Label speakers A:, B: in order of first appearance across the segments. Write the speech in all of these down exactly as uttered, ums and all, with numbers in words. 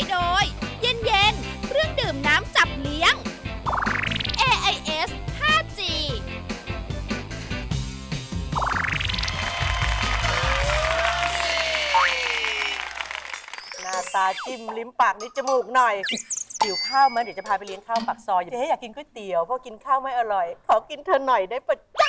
A: โดยเย็นเย็นเครื่องดื่มน้ำจับเลี้ยง เอ ไอ เอส ห้าจี
B: หน้าตาจิ้มลิ้มปากนิดจมูกหน่อยหิวข้าวมั้ยเดี๋ยวจะพาไปเลี้ยงข้าวปากซอยเจ๊อยากกินก๋วยเตี๋ยวเพราะกินข้าวไม่อร่อยขอกินเธอหน่อยได้ปะจ๊ะ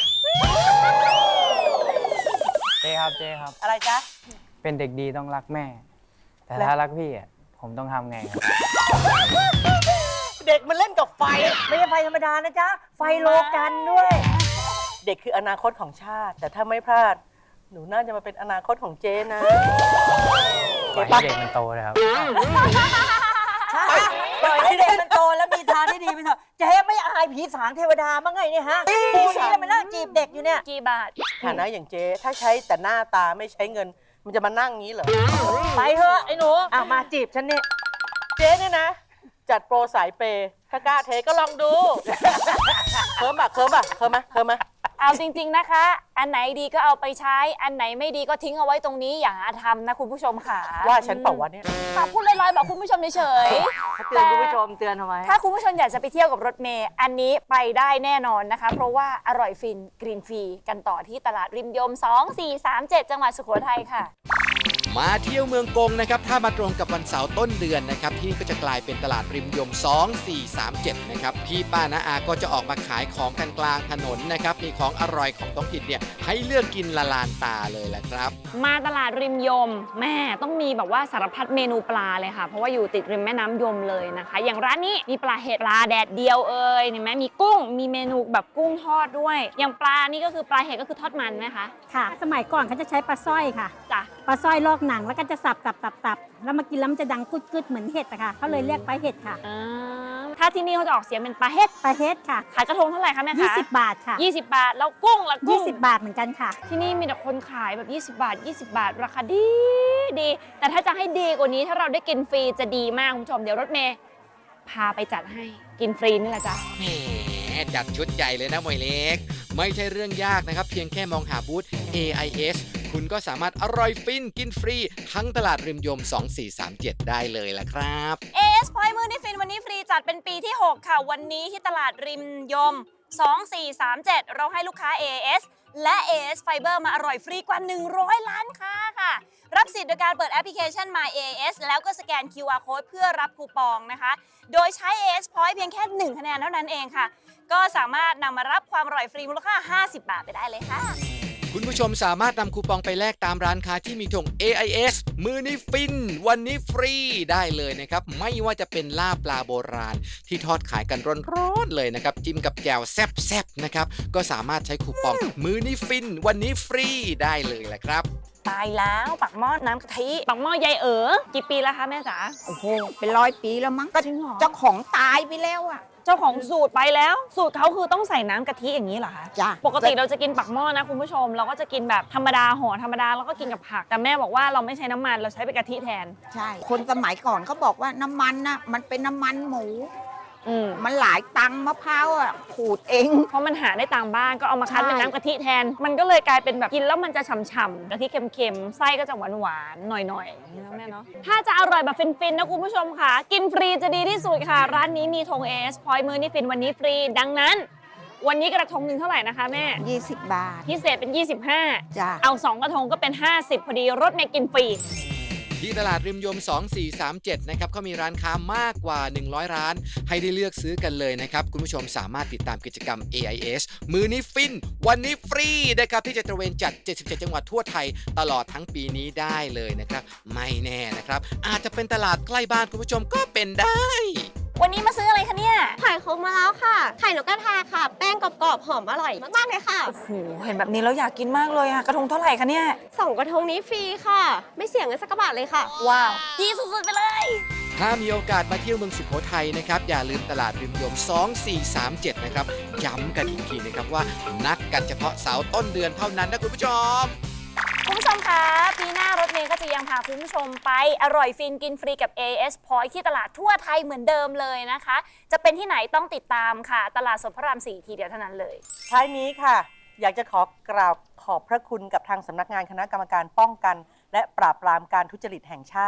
C: เจ๊ครับเจ๊ครับ
B: อะไรจ๊ะ
C: เป็นเด็กดีต้องรักแม่ แต่ถ้ารักพี่อ่ะผมต้องทำไงครับ
B: เด็กมันเล่นกับไฟ
D: ไม่ใช่ไฟธรรมดานะจ๊ะไฟโลกันด้วย
B: เด็กคืออนาคตของชาติแต่ถ้าไม่พลาดหนูน่าจะมาเป็นอนาคตของเจ๊นะ
C: ปล่อยให้เด็กมันโตเลยครับ
D: ใช่ปล่อยให้เด็กมันโตแล้วมีทางที่ดีไปเถอะเจ๊ไม่อายผีสางเทวดามั้งไงเนี่ยฮะผีสางแล้วมานั่งจีบเด็กอยู่เนี่ย
A: กี่บาท
B: ฐานะอย่างเจ๊ถ้าใช้แต่หน้าตาไม่ใช้เงินมันจะมานั่งงี้เหรอ
D: ไปเถอะไอ้หนูอ่ะมาจีบฉันนี่
B: เจ๊เนี่ยนะจัดโปรสายเปย์ถ้ากล้าเทก็ลองดูเคิร์มอะเคิร์มอะเคิร์มอะเคิร์มอะ
A: เอาจริงๆนะคะอันไหนดีก็เอาไปใช้อันไหนไม่ดีก็ทิ้งเอาไว้ตรงนี้อย่าหาทำนะคุณผู้ชมค่ะ
B: ว่าฉันเปล่าวะเนี่ย
A: พูดลอยๆบอกคุณผู้ชมเฉย
D: ๆเตือนคุณผู้ชมเตือนทำไม
A: ถ้าคุณผู้ชมอยากจะไปเที่ยวกับรถเมย์อันนี้ไปได้แน่นอนนะคะเพราะว่าอร่อยฟินกรีนฟรีกันต่อที่ตลาดริมยมสอง สี่ สาม เจ็ดจังหวัดสุโขทัยค่ะ
E: มาเที่ยวเมืองกงนะครับถ้ามาตรงกับวันเสาร์ต้นเดือนนะครับที่ก็จะกลายเป็นตลาดริมยมสอง สี่ สาม เจ็ดนะครับพี่ป้าน้าอาก็จะออกมาขายของกันกลางถนนนะครับมีของอร่อยของท้องถิ่นเนี่ยให้เลือกกินละลานตาเลยแหละครับ
A: มาตลาดริมยมแม่ต้องมีแบบว่าสารพัดเมนูปลาเลยค่ะเพราะว่าอยู่ติดริมแม่น้ำยมเลยนะคะอย่างร้านนี้มีปลาเห็ดปลาแดดเดียวเอ่ยเห็นไหมมีกุ้งมีเมนูแบบกุ้งทอดด้วยอย่างปลานี่ก็คือปลาเห็ดก็คือทอดมันไหมคะ
F: ค่ะสมัยก่อนเขาจะใช้ปลาสร้อยค่ะ
A: จ้ะ
F: ปลาสร้อยลอกหนังแล้วก็จะสับตับตับตับแล้วมากินแล้วมันจะดังกึดๆเหมือนเห็ดอะค่ะเขาเลยเรียกปลาเห็ดค่ะ
A: ถ้าที่นี่เขาจะออกเสียงเป็นปลาเห็ด
F: ปลาเห็ดค่ะ
A: ขายกระทงเท่าไหร่คะแม่คะ
F: ยี่สิบบาทค่ะ
A: ยี่สิบบาทแล้วกุ้งละกุ้ง
F: ยี่สิบบาทเหมือนกันค่ะ
A: ที่นี่มีแต่คนขายแบบยี่สิบบาทยี่สิบบาทราคาดีดีแต่ถ้าจะให้ดีกว่านี้ถ้าเราได้กินฟรีจะดีมากคุณผู้ชมเดี๋ยวรถเมย์พาไปจัดให้กินฟรีนี่แหละจ้ะ
E: แหมจัดชุดใหญ่เลยนะหมวยเล็กไม่ใช่เรื่องยากนะครับเพียงแค่มองหาบูธ เอ ไอ เอส คุณก็สามารถอร่อยฟินกินฟรีทั้งตลาดริมยมสอง สี่ สาม เจ็ดได้เลยล่ะครับ
A: เอ เอส Point มื้อนี้ฟินวันนี้ฟรีจัดเป็นปีที่หกค่ะวันนี้ที่ตลาดริมยมสอง สี่ สาม เจ็ดเราให้ลูกค้า เอ เอส และ เอ เอส Fiber มาอร่อยฟรีกว่าหนึ่งร้อยล้านค้าค่ะรับสิทธิ์โดยการเปิดแอปพลิเคชัน My เอ เอส แล้วก็สแกน คิว อาร์ Code เพื่อรับคูปองนะคะโดยใช้ เอ เอส Point เพียงแค่หนึ่งคะแนนเท่านั้นเองค่ะก็สามารถนำมารับความอร่อยฟรีมูลค่าห้าสิบบาทไปได้เลยค่ะ
E: คุณผู้ชมสามารถนำคูปองไปแลกตามร้านค้าที่มีธง เอ ไอ เอส มื้อนี้ฟินวันนี้ฟรีได้เลยนะครับไม่ว่าจะเป็นลาบปลาโบราณที่ทอดขายกันร้อนๆเลยนะครับจิ้มกับแจ่วแซ่บๆนะครับก็สามารถใช้คูปองมื้อนี้ฟินวันนี้ฟรีได้เลยแหละครับ
A: ตายแล้วปักหม้อน้ำกะทิปักหม้อยายเอ๋อกี่ปีแล้วคะแม่จ๋า
G: โอ้โหเป็นร้อยปีแล้วมั้งก็เจ้าของตายไปแล้วอะ
A: เจ้าของสูตรไปแล้วสูตรเขาคือต้องใส่น้ำกะทิอย่างนี้เหรอคะ
G: จ้ะ
A: ปกติเราจะกินปักหม้อนะคุณผู้ชมเราก็จะกินแบบธรรมดาห่อธรรมดาแล้วก็กินกับผักแต่แม่บอกว่าเราไม่ใช้น้ำมันเราใช้เป็นกะทิแทน
G: ใช่คนสมัยก่อนเขาบอกว่าน้ำมันน่ะมันเป็นน้ำมันหมูมันหลายตังมะพร้าวอ่ะขูดเอง
A: เพราะมันหาได้ตามบ้านก็เอามาคั้นเป็นน้ำกะทิแทนมันก็เลยกลายเป็นแบบกินแล้วมันจะฉ่ำๆกะทิเค็มๆไส้ก็จะหวานๆหน่อยๆอย่างนี้นะแม่เนาะถ้าจะอร่อยแบบฟินๆนะคุณผู้ชมค่ะกินฟรีจะดีที่สุดค่ะร้านนี้มีธง เอ เอส Point มื้อนี้ฟินวันนี้ฟรีดังนั้นวันนี้กระทงหนึ่งเท่าไหร่นะคะแม่
G: ยี่สิบบาท
A: พิเศษเป็นยี่สิบห้า
G: จ้ะ
A: เอาสองกระทงก็เป็นห้าสิบพอดีรถเมย์กินฟรี
E: ที่ตลาดริมยมสอง สี่ สาม เจ็ดนะครับเขามีร้านค้ามากกว่าหนึ่งร้อยร้านให้ได้เลือกซื้อกันเลยนะครับคุณผู้ชมสามารถติดตามกิจกรรม เอ ไอ เอส มื้อนี้ฟินวันนี้ฟรีนะครับที่จะตระเวนจัดเจ็ดสิบเจ็ดจังหวัดทั่วไทยตลอดทั้งปีนี้ได้เลยนะครับไม่แน่นะครับอาจจะเป็นตลาดใกล้บ้านคุณผู้ชมก็เป็นได้
A: วันนี้มาซื้ออะไรคะเนี่ย
H: ไข่คกมาแล้วค่ะไข่นกกระทาค่ะแป้งกรอบๆหอมอร่อยมากๆเลยค่ะ
A: โอ้โหเห็นแบบนี้แล้วอยากกินมากเลยอะกระทงเท่าไหร่คะเนี่ย
H: สองกระทงนี้ฟรีค่ะไม่เสี่ยงเงินสักบาทเลยค่ะ
A: ว้าวดีสุดๆไปเลย
E: ถ้ามีโอกาสมาเที่ยวเมืองสุโขทัยนะครับอย่าลืมตลาดริมยมสอง สี่ สาม เจ็ดนะครับย้ำกันอีกทีนะครับว่านัดกันเฉพาะเสาร์ต้นเดือนเท่านั้นนะคุณผู้ชม
A: คุณผู้ชมคะปีหน้ารถเมย์ก็จะยังพาคุณผู้ชมไปอร่อยฟินกินฟรีกับ เอ เอส Point ที่ตลาดทั่วไทยเหมือนเดิมเลยนะคะจะเป็นที่ไหนต้องติดตามค่ะตลาดสดพระรามสี่ทีเดียวเท่านั้นเลย
B: ท้ายนี้ค่ะอยากจะขอกราบขอบพระคุณกับทางสำนักงานคณะกรรมการป้องกันและปราบปรามการทุจริตแห่งชาติ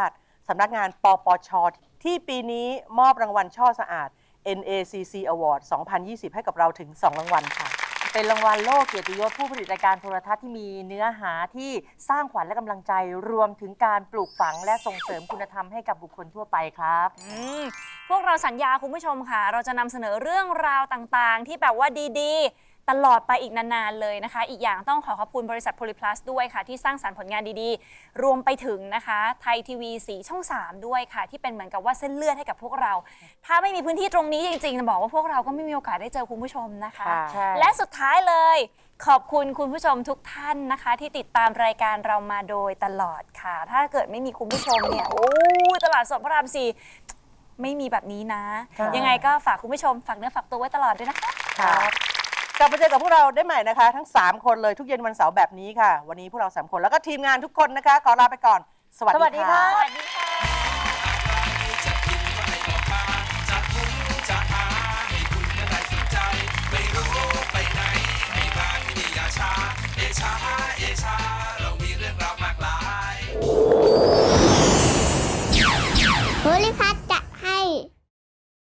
B: สำนักงานปปช ที่ปีนี้มอบรางวัลช่อสะอาด เอ็น เอ ซี ซี Award สองพันยี่สิบ ให้กับเราถึง สอง รางวัลค่ะ
D: เป็นรางวัลโลกเกียรติยศผู้ผลิตรายการโทรทัศน์ที่มีเนื้อหาที่สร้างขวัญและกำลังใจรวมถึงการปลูกฝังและส่งเสริมคุณธรรมให้กับบุคคลทั่วไปครับ
A: อืมพวกเราสัญญาคุณผู้ชมค่ะ เราจะนำเสนอเรื่องราวต่างๆ ที่แบบว่าดีๆ ตลอดไปอีกนานๆเลยนะคะ อีกอย่างต้องขอขอบคุณบริษัทโพลิพลัสด้วยค่ะ ที่สร้างสรรค์ผลงานดีๆ รวมไปถึงนะคะไทยทีวีสีช่องสามด้วยค่ะ ที่เป็นเหมือนกับว่าเส้นเลือดให้กับพวกเรา ถ้าไม่มีพื้นที่ตรงนี้จริงๆจะบอกว่าพวกเราก็ไม่มีโอกาสได้เจอคุณผู้ชมนะคะ
B: ค่ะ
D: ใช่
A: และสุดท้ายเลย ขอบคุณคุณผู้ชมทุกท่านนะคะ ที่ติดตามรายการเรามาโดยตลอดค่ะ ถ้าเกิดไม่มีคุณผู้ชมเนี่ยโอ้ยตลาดสดพระรามสี่ไม่มีแบบนี้นะ
B: ค่ะ
A: ยังไงก็ฝากคุณผู้ชมฝากเนื้อฝากตัวไว้ตลอดด้วยนะคะ
B: ค่ะกลับมาเจอกับพวกเราได้ใหม่นะคะ ทั้ง สาม คนเลยทุกเย็นวันเสาร์แบบนี้ค่ะ วันนี้พวกเรา สาม คนแล้วก็ทีมงานทุกคนนะคะ ขอลาไปก่อน สวัส
D: สวัส
B: ดี
D: ดี
B: ค่ะ
D: ค่ะ
A: สวัสดีค่ะ
E: ไม่รู้ไปไหนให้มาที่นี่อย่าช้าเอชาเอชา